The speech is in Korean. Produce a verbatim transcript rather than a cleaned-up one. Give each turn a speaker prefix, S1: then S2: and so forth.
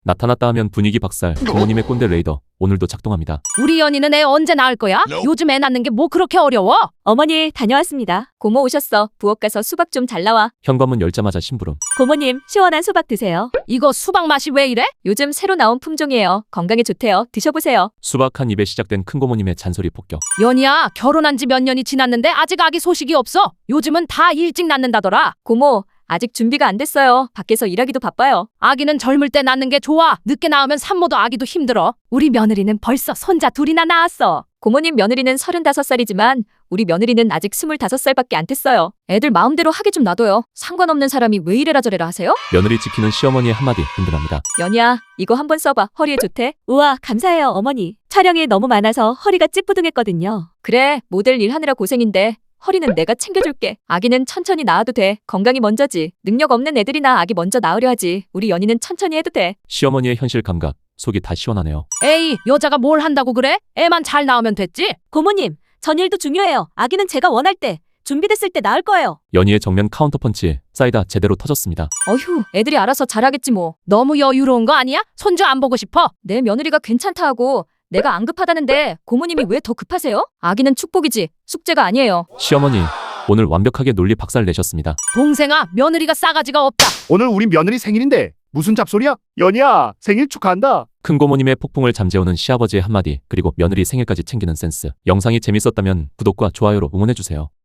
S1: 나타났다 하면 분위기 박살. 부모님의 꼰대 레이더 오늘도 작동합니다.
S2: 우리 연희는 애 언제 낳을 거야? 요즘 애 낳는 게 뭐 그렇게 어려워?
S3: 어머니 다녀왔습니다. 고모 오셨어. 부엌 가서 수박 좀 잘 나와.
S1: 현관문 열자마자 심부름.
S3: 고모님 시원한 수박 드세요.
S2: 이거 수박 맛이 왜 이래?
S3: 요즘 새로 나온 품종이에요. 건강에 좋대요. 드셔보세요.
S1: 수박 한 입에 시작된 큰고모님의 잔소리 폭격.
S2: 연희야, 결혼한 지 몇 년이 지났는데 아직 아기 소식이 없어. 요즘은 다 일찍 낳는다더라.
S3: 고모 아직 준비가 안 됐어요. 밖에서 일하기도 바빠요.
S2: 아기는 젊을 때 낳는 게 좋아. 늦게 낳으면 산모도 아기도 힘들어. 우리 며느리는 벌써 손자 둘이나 낳았어.
S3: 고모님 며느리는 서른다섯 살이지만 우리 며느리는 아직 스물다섯 살밖에 안 됐어요. 애들 마음대로 하게 좀 놔둬요. 상관없는 사람이 왜 이래라 저래라 하세요?
S1: 며느리 지키는 시어머니의 한마디 든든합니다.
S3: 연희야 이거 한번 써봐. 허리에 좋대. 우와 감사해요 어머니. 촬영이 너무 많아서 허리가 찌뿌둥했거든요. 그래 모델 일하느라 고생인데 허리는 내가 챙겨줄게. 아기는 천천히 낳아도 돼. 건강이 먼저지. 능력 없는 애들이나 아기 먼저 낳으려 하지. 우리 연희는 천천히 해도 돼.
S1: 시어머니의 현실 감각. 속이 다 시원하네요.
S2: 에이, 여자가 뭘 한다고 그래? 애만 잘 낳으면 됐지?
S3: 고모님 전일도 중요해요. 아기는 제가 원할 때 준비됐을 때 낳을 거예요.
S1: 연희의 정면 카운터펀치. 사이다 제대로 터졌습니다.
S3: 어휴 애들이 알아서 잘하겠지 뭐.
S2: 너무 여유로운 거 아니야? 손주 안 보고 싶어?
S3: 내 며느리가 괜찮다 하고 내가 안 급하다는데 고모님이 왜 더 급하세요? 아기는 축복이지 숙제가 아니에요.
S1: 시어머니 오늘 완벽하게 논리 박살 내셨습니다.
S2: 동생아, 며느리가 싸가지가 없다.
S4: 오늘 우리 며느리 생일인데 무슨 잡소리야? 연희야 생일 축하한다.
S1: 큰고모님의 폭풍을 잠재우는 시아버지의 한마디, 그리고 며느리 생일까지 챙기는 센스. 영상이 재밌었다면 구독과 좋아요로 응원해주세요.